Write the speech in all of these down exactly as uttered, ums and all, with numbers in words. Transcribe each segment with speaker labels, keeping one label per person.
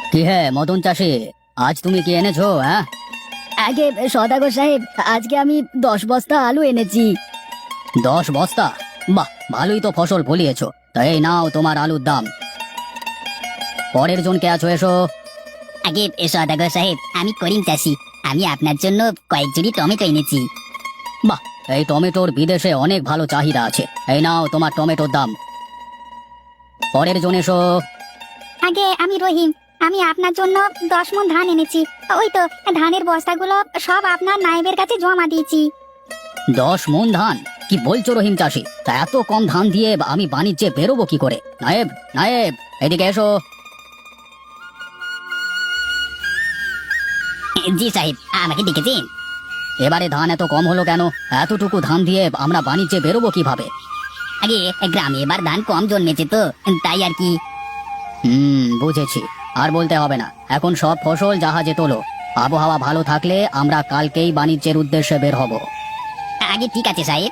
Speaker 1: কি হে মদন চাষি, আজ তুমি কি এনেছো? হ্যাঁ,
Speaker 2: আগে সদাগর সাহেব, আজকে আমি দশ বস্তা আলু এনেছি।
Speaker 1: দশ বস্তা? বাহ, ভালোই তো ফসল ফলিয়েছো। তা এই নাও তোমার আলুর দাম। পরের জনকে আছো, এসো।
Speaker 2: আগে সদাগর সাহেব, আমি করিম চাষি, আমি আপনার জন্য কয়েক জুড়ি টমেটো এনেছি।
Speaker 1: বাহ, এই টমেটোর বিদেশে অনেক ভালো চাহিদা আছে। এই নাও তোমার টমেটোর দাম। পরের জন এসো।
Speaker 2: আগে আমি রহিম, আমি আপনার জন্য দশ মণ ধান এনেছি। ওই তো ধানের বস্তাগুলো সব আপনার নায়েবের কাছে জমা দিয়েছি।
Speaker 1: দশ মন ধান? কি বলছো রহিম চাষি? তা এত কম ধান দিয়ে আমি বাণিজ্যে বেরোবো কি করে? নায়েব, নায়েব, এদিকে এসো।
Speaker 2: জি সাহেব, আমাকে ডেকেছেন?
Speaker 1: এবারে ধান এত কম হলো কেন? এতটুকু ধান দিয়ে আমরা বাণিজ্যে বেরোবো কিভাবে?
Speaker 2: আগে গ্রামে এবার ধান কম জন্মেছে তো, তাই আর কি।
Speaker 1: হুম, বুঝেছি। আর বলতে হবে না, এখন সব ফসল জাহাজে তোলো। আবহাওয়া ভালো থাকলে আমরা কালকেই বাণিজ্যের উদ্দেশ্যে বের হব।
Speaker 2: আগে ঠিক আছে সাহেব।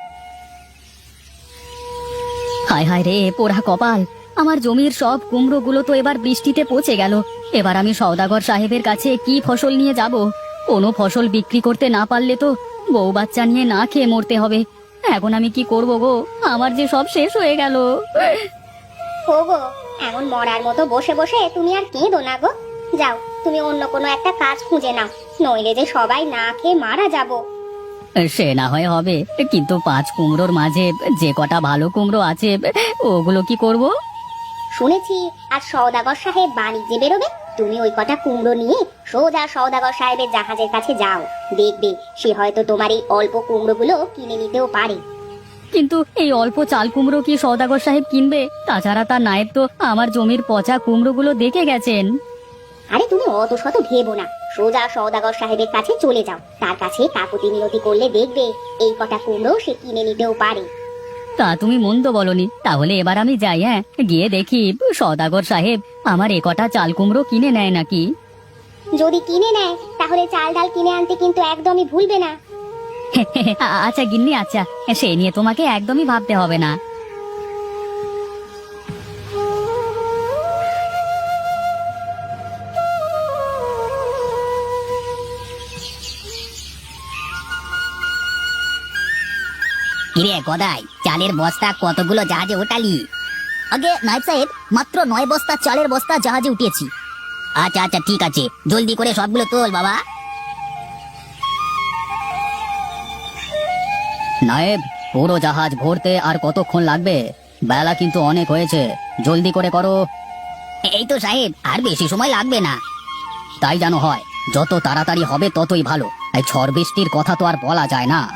Speaker 3: হায় হায় রে, পোড়া কপাল! আমার জমির সব কুমড়োগুলো তো এবার বৃষ্টিতে পচে গেল। এবার আমি সওদাগর সাহেবের কাছে কি ফসল নিয়ে যাব? কোনো ফসল বিক্রি করতে না পারলে তো বউ বাচ্চা নিয়ে না খেয়ে মরতে হবে। এখন আমি কি করব গো? আমার যে সব শেষ হয়ে গেল।
Speaker 4: ও গো, এমন মরার মতো বসে বসে তুমি আর কেঁদো না গো। যাও, তুমি অন্য কোনো একটা কাজ খুঁজে নাও, নইলে যে সবাই না খেয়ে মারা যাব।
Speaker 3: সে না হয় হবে, কিন্তু পাঁচ কুমড়োর মাঝে যে কটা ভালো কুমড়ো আছে ওগুলো কি করব?
Speaker 4: শুনেছি আর সওদাগর সাহেব বাণিজ্যে বেরোবে, তুমি ওই কটা কুমড়ো নিয়ে সোজা সওদাগর সাহেবের জাহাজের কাছে যাও। দেখবে সে হয়তো তোমার এই অল্প কুমড়োগুলো কিনে নিতেও পারে।
Speaker 3: কিন্তু এই অল্প চাল কুমড়ো কি সওদাগর সাহেব কিনবে? তাছাড়া তার নায়েব তো আমার জমির পচা কুমড়োগুলো দেখে গেছেন।
Speaker 4: আরে তুমি অত শত ভেবো না, সোজা সওদাগর সাহেবের কাছে চলে যাও। তার কাছে কাকুতি মিনতি করলে দেখবে এই কটা কুমড়ো সে কিনে নিতেও পারে।
Speaker 3: তা তুমি মন্দ বলনি, তাহলে এবার আমি যাই। হ্যাঁ, গিয়ে দেখি সওদাগর সাহেব আমার এ কটা চাল কুমড়ো কিনে নেয় নাকি।
Speaker 4: যদি কিনে নেয় তাহলে চাল ডাল কিনে আনতে কিন্তু একদমই ভুলবে না।
Speaker 3: আ- আচ্ছা গিন্নি, আচ্ছা, সে নিয়ে তোমাকে একদমই ভাবতে হবে না।
Speaker 2: কিরে গদাই, চালের বস্তা কতগুলো জাহাজে ওঠালি? আগে নায়েব সাহেব, মাত্র নয় বস্তা চালের বস্তা জাহাজে উঠিয়েছি। আচ্ছা আচ্ছা, ঠিক আছে, জলদি করে সবগুলো তোল বাবা।
Speaker 1: নায়েব, পুরো জাহাজ ভরতে আর কতক্ষণ লাগবে? বেলা কিন্তু অনেক হয়েছে, জলদি করে করো।
Speaker 2: এই তো সাহেব, আর বেশি সময় লাগবে না।
Speaker 1: তাই যেন হয়, যত তাড়াতাড়ি হবে ততই ভালো। এই ঝড় বৃষ্টির কথা তো আর বলা যায় না।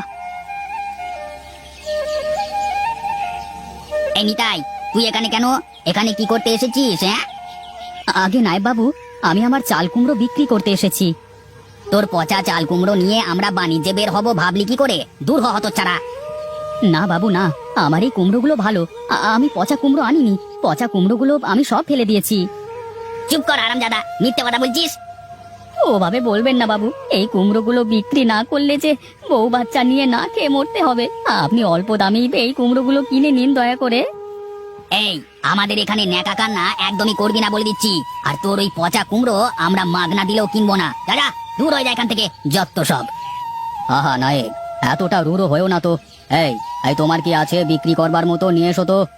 Speaker 2: এই নিতাই, তুই এখানে কেন? এখানে কি করতে এসেছিস? হ্যাঁ,
Speaker 3: আগে নায়েব বাবু, আমি আমার চাল কুমড়ো বিক্রি করতে এসেছি।
Speaker 2: তোর পচা চাল কুমড়ো নিয়ে আমরা বাণিজ্যে বের হব ভাবলি কি করে? দূর হ হতচ্ছাড়া।
Speaker 3: না বাবু না, আমার এই কুমড়োগুলো ভালো। আ- আমি পচা কুমড়ো আনিনি, পচা কুমড়োগুলো আমি সব ফেলে দিয়েছি।
Speaker 2: চুপ কর আরামজাদা, মিথ্যে কথা বলছিস।
Speaker 3: ওভাবে বলবেন না বাবু, এই কুমড়োগুলো বিক্রি না করলে যে বউ বাচ্চা নিয়ে না খেয়ে মরতে হবে। আপনি অল্প দামেই এই কুমড়োগুলো কিনে নিন দয়া করে।
Speaker 2: এই, আমাদের এখানে ন্যাকা কান্না একদমই করবি না বলে দিচ্ছি। আর তোর ওই পচা কুমড়ো আমরা মাগনা দিলেও কিনবো না। দাদা, দূর হয়ে যায় এখান থেকে, যত সব।
Speaker 1: আহা নায়েব, এতটা রুড়ো হয়েও না তো। এই এই তোমার কি আছে বিক্রি করবার মতো? নিয়ে এসো তো।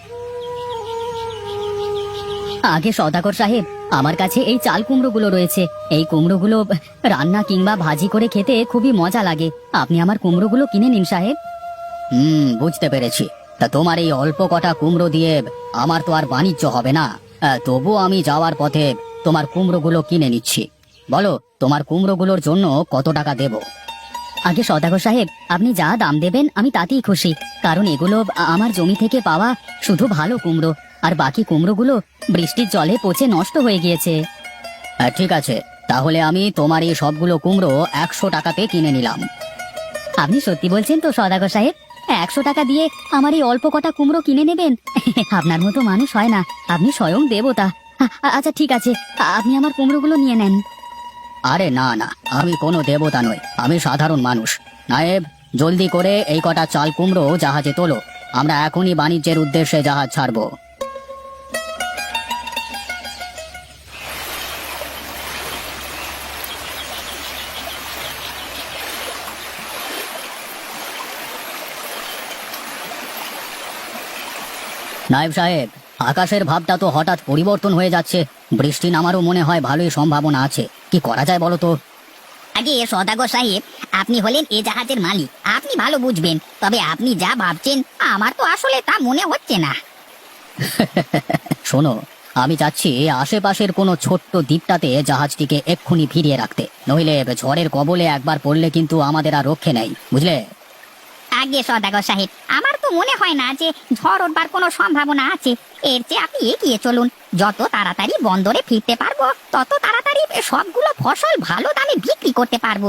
Speaker 3: আগে সওদাগর সাহেব, আমার কাছে এই চাল কুমড়োগুলো রয়েছে। এই কুমড়োগুলো রান্না কিংবা ভাজি করে খেতে খুবই মজা লাগে। আপনি আমার কুমড়োগুলো কিনে নিন সাহেব।
Speaker 1: হুম, বুঝতে পেরেছি। তা তোমার এই অল্প কটা কুমড়ো দিয়ে আমার তো আর বাণিজ্য হবে না। আহ, তবু আমি যাওয়ার পথে তোমার কুমড়োগুলো কিনে নিচ্ছি। বলো, তোমার কুমড়োগুলোর জন্য কত টাকা দেব?
Speaker 3: আগে সওদাগর সাহেব, আপনি যা দাম দেবেন আমি তাতেই খুশি। কারণ এগুলো আ- আমার জমি থেকে পাওয়া শুধু ভালো কুমড়ো, আর বাকি কুমড়োগুলো বৃষ্টির জলে পচে নষ্ট হয়ে গিয়েছে।
Speaker 1: আহ, ঠিক আছে, তাহলে আমি তোমার এই সবগুলো কুমড়ো একশো টাকাতে কিনে নিলাম।
Speaker 3: আপনি সত্যি বলছেন তো সওদাগর সাহেব? একশো টাকা দিয়ে আমার এই অল্প কটা কুমড়ো কিনে নেবেন? আপনার মতো মানুষ হয় না, আপনি স্বয়ং দেবতা। আ- আ- আচ্ছা ঠিক আছে, আ- আপনি আমার কুমড়োগুলো নিয়ে নেন।
Speaker 1: আরে না না, আমি কোনো দেবতা নই, আমি সাধারণ মানুষ। নায়েব, জলদি করে এই কটা চাল কুমড়ো জাহাজে তোলো, আমরা এখনই বাণিজ্যের উদ্দেশ্যে জাহাজ ছাড়বো। নায়েব সাহেব, আকাশের ভাবটা তো হঠাৎ পরিবর্তন হয়ে যাচ্ছে। বৃষ্টি নামারও মনে হয় ভালোই সম্ভাবনা আছে। কি করা যায় বলো তো?
Speaker 2: আগে সদাগর সাহেব, আপনি হলেন এ জাহাজের মালিক, আপনি ভালো বুঝবেন। তবে আপনি যা ভাবছেন আমার তো আসলে তা মনে হচ্ছে না।
Speaker 1: শোনো, আমি চাচ্ছি আশেপাশের কোনো ছোট্ট দ্বীপটাতে জাহাজটিকে এক্ষুনি ফিরিয়ে রাখতে, নইলে ঝড়ের কবলে একবার পড়লে কিন্তু আমাদের আর রক্ষে নেই, বুঝলে?
Speaker 2: আগে সদাগর সাহেব, আমার তো মনে হয় না যে ঝড় উঠবার কোনো সম্ভাবনা আছে। এর চেয়ে আপনি এগিয়ে চলুন। যত তাড়াতাড়ি বন্দরে ফিরতে পারবো তত তাড়াতাড়ি সবগুলো ফসল ভালো দামে বিক্রি করতে পারবো।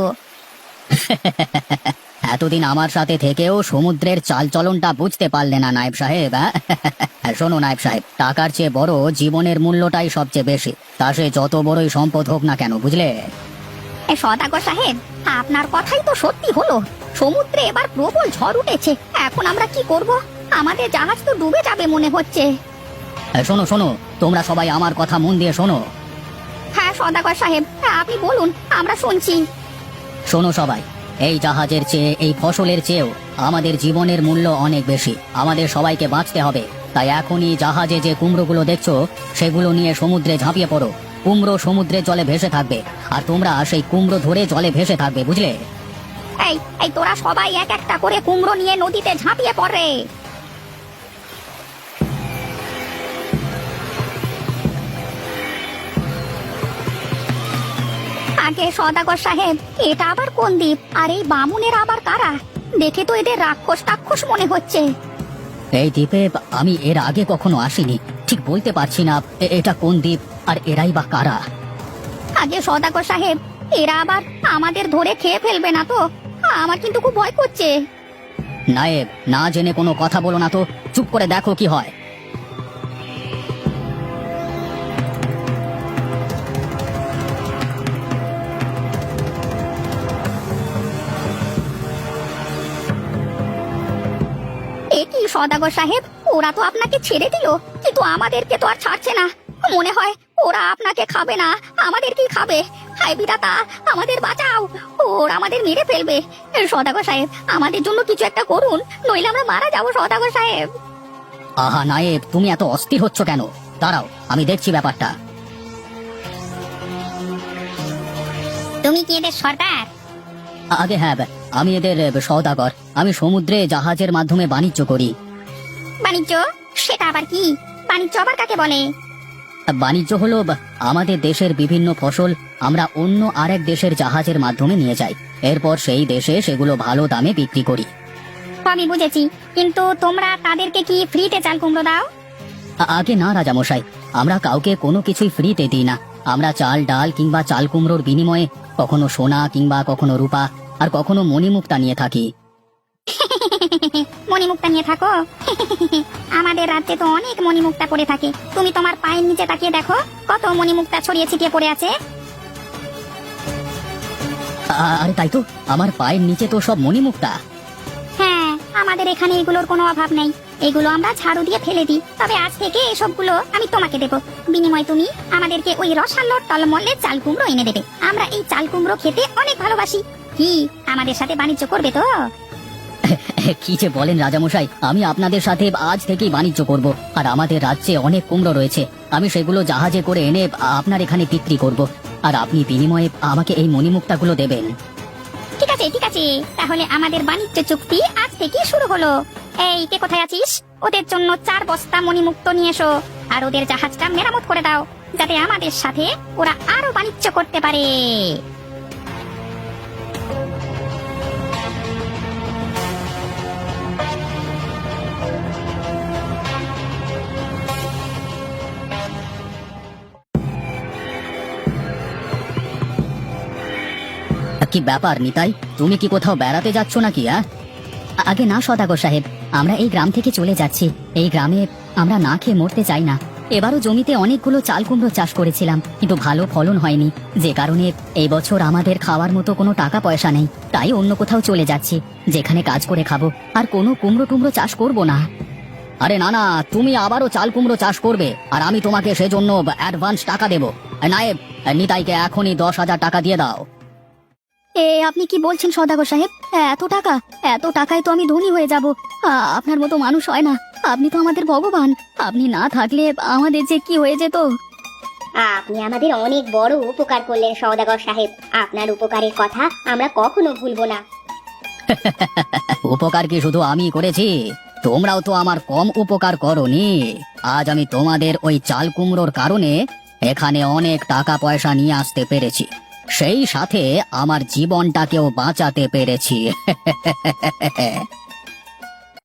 Speaker 1: এতদিন আমার সাথে থেকেও সমুদ্রের চালচলনটা বুঝতে পারলে না নায়েব সাহেব? হ্যাঁ, শোনো নায়েব সাহেব, টাকার চেয়ে বড় জীবনের মূল্যটাই সবচেয়ে বেশি, তা সে যত বড়ই সম্পদ হোক না কেন, বুঝলে?
Speaker 2: এ সদাগর সাহেব, আপনার কথাই তো সত্যি হলো। সমুদ্রে এবার প্রবল ঝড় উঠেছে। এখন আমরা কি করব? আমাদের জাহাজ তো ডুবে যাবে মনে হচ্ছে।
Speaker 1: হ্যাঁ, শোনো শোনো, তোমরা সবাই আমার কথা মন দিয়ে শোনো।
Speaker 2: হ্যাঁ সদাগর সাহেব, হ্যাঁ, আপনি বলুন, আমরা শুনছি।
Speaker 1: শোনো সবাই, এই জাহাজের চেয়ে, এই ফসলের চেয়েও আমাদের জীবনের মূল্য অনেক বেশি। আমাদের সবাইকে বাঁচতে হবে। তাই এখনই জাহাজে যে কুমড়োগুলো দেখছো সেগুলো নিয়ে সমুদ্রে ঝাঁপিয়ে পড়ো। কুমড়ো সমুদ্রের জলে ভেসে থাকবে, আর তোমরা সেই কুমড়ো ধরে জলে ভেসে থাকবে, বুঝলে?
Speaker 2: এই এই তোরা সবাই এক একটা করে কুমড়ো নিয়ে নদীতে ঝাঁপিয়ে পড়ে। আগে সদাগর সাহেব, এটা আবার কোন দ্বীপ? আর এই বামুনের আবার কারা? দেখে তো এদের রাক্ষস টাক্ষস মনে হচ্ছে।
Speaker 1: এই দ্বীপে আমি এর আগে কখনো আসিনি, ঠিক বলতে পারছি না এ- এটা কোন দ্বীপ আর এরাই বা কারা।
Speaker 2: আগে সদাগর সাহেব, এরা আবার আমাদের ধরে খেয়ে ফেলবে না তো? আমার কিন্তু খুব ভয় করছে।
Speaker 1: নায়েব, না জেনে কোনো কথা বলো না তো, চুপ করে দেখো কি হয়।
Speaker 2: এ কি সদাগর সাহেব, ওরা তো আপনাকে ছেড়ে দিল, কিন্তু আমাদেরকে তো আর ছাড়ছে না। মনে হয় ওরা আপনাকে খাবে না, আমাদেরকেই খাবে। হায় বিধাতা, আমাদের বাঁচাও, ওরা আমাদের মেরে ফেলবে। সদাগর সাহেব, আমাদের জন্য কিছু একটা করুন, নইলে আমরা মারা যাবো সদাগর সাহেব।
Speaker 1: আহা নায়েব, তুমি এত অস্থির হচ্ছ কেন? দাঁড়াও, আমি দেখছি ব্যাপারটা।
Speaker 2: তুমি কি এদের সর্দার?
Speaker 1: আগে হ্যাঁ, আমি এদের সওদাগর। আমি সমুদ্রে জাহাজের মাধ্যমে বাণিজ্য করি।
Speaker 2: বাণিজ্য? সেটা আবার কি? বাণিজ্য আবার কাকে বলে?
Speaker 1: বাণিজ্য হলো বা- আমাদের দেশের বিভিন্ন ফসল আমরা অন্য আরেক দেশের জাহাজের মাধ্যমে নিয়ে যাই, এরপর সেই দেশে সেগুলো ভালো দামে বিক্রি করি।
Speaker 2: আমি বুঝেছি, কিন্তু তোমরা তাদেরকে কি ফ্রিতে চাল কুমড়ো দাও?
Speaker 1: আ- আগে না রাজামশাই, আমরা কাউকে কোনো কিছুই ফ্রিতে দিই না। আমরা চাল ডাল কিংবা চাল কুমড়োর বিনিময়ে কখনো সোনা কিংবা কখনো রূপা আর কখনো মণিমুক্তা নিয়ে থাকি।
Speaker 2: মণিমুক্তা নিয়ে থাকো? আমাদের রাজ্যে তো অনেক মণিমুক্তা পড়ে থাকে। তুমি তোমার পায়ের নিচে তাকিয়ে দেখো, কত মণিমুক্তা ছড়িয়ে ছিটিয়ে পড়ে আছে।
Speaker 1: আ- আরে তাই তো, আমার পায়ের নিচে তো সব মণিমুক্তা।
Speaker 2: হ্যাঁ, আমাদের এখানে এগুলোর কোনো অভাব নেই। এগুলো আমরা ঝাড়ু দিয়ে ফেলে দিই। তবে আজ থেকে এসবগুলো আমি তোমাকে দেবো। বিনিময় তুমি আমাদেরকে ওই রসালোর টলমলের চাল কুমড়ো এনে দেবে। আমরা এই চাল কুমড়ো খেতে অনেক ভালোবাসি। কি আমাদের সাথে বাণিজ্য করবে তো?
Speaker 1: কি যে বলেন রাজামশাই, আমি আপনাদের সাথে আজ থেকেই বাণিজ্য করব। আর আমাদের রাজ্যে অনেক কুমড়ো রয়েছে, আমি সেগুলো জাহাজে করে এনে আপনার এখানে বিক্রি করব। আর আপনি বিনিময়ে আমাকে এই মণিমুক্তাগুলো দেবেন।
Speaker 2: ঠিক আছে ঠিক আছে, তাহলে আমাদের বাণিজ্য চুক্তি আজ থেকে শুরু হলো। এই কে কোথায় আছিস? ওদের জন্য চার বস্তা মণিমুক্ত নিয়ে এসো, আর ওদের জাহাজটা মেরামত করে দাও, যাতে আমাদের সাথে ওরা আরো বাণিজ্য করতে পারে।
Speaker 1: কি ব্যাপার নিতাই, তুমি কি কোথাও বেড়াতে যাচ্ছ নাকি? হ্যাঁ,
Speaker 3: আগে না সদাগর সাহেব, আমরা এই গ্রাম থেকে চলে যাচ্ছি। এই গ্রামে আমরা না খেয়ে মরতে চাই না। এবারও জমিতে অনেকগুলো চাল কুমড়ো চাষ করেছিলাম, কিন্তু ভালো ফলন হয়নি, যে কারণে এই বছর আমাদের খাওয়ার মতো কোনো টাকা পয়সা নেই। তাই অন্য কোথাও চলে যাচ্ছি, যেখানে কাজ করে খাবো, আর কোনো কুমড়ো টুমড়ো চাষ করব না।
Speaker 1: আরে না না, তুমি আবারও চাল কুমড়ো চাষ করবে, আর আমি তোমাকে সেজন্য অ্যাডভান্স টাকা দেবো। নায়েব, নিতাইকে এখনই দশ হাজার টাকা দিয়ে দাও।
Speaker 3: এ আপনি কি বলছেন সদাগর সাহেব? এত টাকা? এত টাকায় তো আমি ধনী হয়ে যাব। আপনার মতো মানুষ হয় না। আপনি তো আমাদের ভগবান। আপনি না থাকলে আমাদের যে কি হয়ে যেত।
Speaker 4: আপনি আমাদের অনেক বড় উপকার করলেন সওদাগর সাহেব। আপনার উপকারের কথা আমরা কখনো ভুলবো না।
Speaker 1: উপকার কি শুধু আমি করেছি? তোমরাও তো আমার কম উপকার করনি। আজ আমি তোমাদের ওই চাল কুমড়োর কারণে এখানে অনেক টাকা পয়সা নিয়ে আসতে পেরেছি, সেই সাথে আমার জীবনটাকেও বাঁচাতে পেরেছি।